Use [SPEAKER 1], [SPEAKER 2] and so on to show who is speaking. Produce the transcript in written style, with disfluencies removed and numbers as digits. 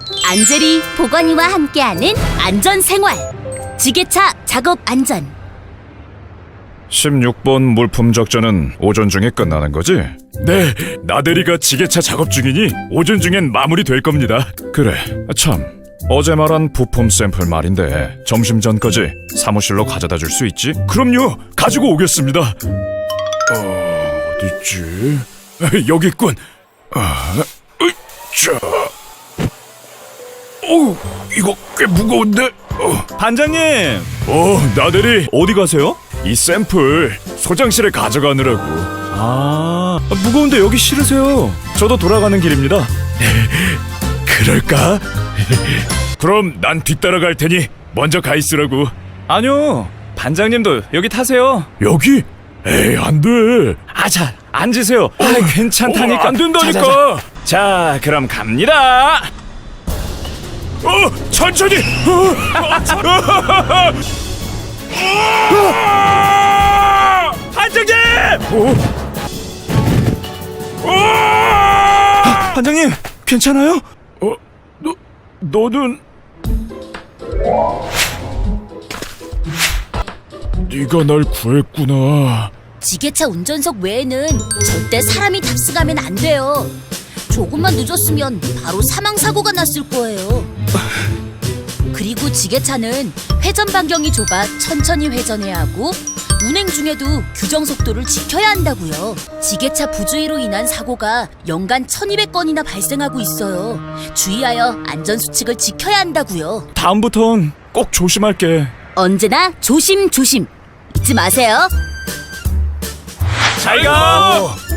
[SPEAKER 1] 안젤이 보건이와 함께하는 안전생활 지게차 작업 안전.
[SPEAKER 2] 16번 물품 적재는 오전 중에 끝나는 거지? 네, 나대리가 지게차 작업 중이니 오전 중엔 마무리될 겁니다. 그래, 참 어제 말한 부품 샘플 말인데 점심 전까지 사무실로 가져다 줄 수 있지? 그럼요, 가지고 오겠습니다. 어딨지? 여기 있군. 자, 이거 꽤 무거운데?
[SPEAKER 3] 반장님!
[SPEAKER 2] 나대리 어디 가세요? 이 샘플 소장실에 가져가느라고.
[SPEAKER 3] 무거운데 여기 실으세요.
[SPEAKER 2] 저도 돌아가는 길입니다. 그럴까? 그럼 난 뒤따라 갈 테니 먼저 가 있으라고.
[SPEAKER 3] 아니요, 반장님도 여기 타세요.
[SPEAKER 2] 여기? 에이, 안 돼.
[SPEAKER 3] 자, 앉으세요. 괜찮다니까.
[SPEAKER 2] 안 된다니까.
[SPEAKER 3] 자, 그럼 갑니다.
[SPEAKER 2] 천천히.
[SPEAKER 3] 반장님! 반장님, 괜찮아요?
[SPEAKER 2] 너는 네가 날 구했구나.
[SPEAKER 1] 지게차 운전석 외에는 절대 사람이 탑승하면 안 돼요. 조금만 늦었으면 바로 사망사고가 났을 거예요. 그리고 지게차는 회전 반경이 좁아 천천히 회전해야 하고 운행 중에도 규정 속도를 지켜야 한다고요. 지게차 부주의로 인한 사고가 연간 1200건이나 발생하고 있어요. 주의하여 안전수칙을 지켜야 한다고요.
[SPEAKER 3] 다음부턴 꼭 조심할게.
[SPEAKER 1] 언제나 조심조심 잊지 마세요.
[SPEAKER 3] 잘 가!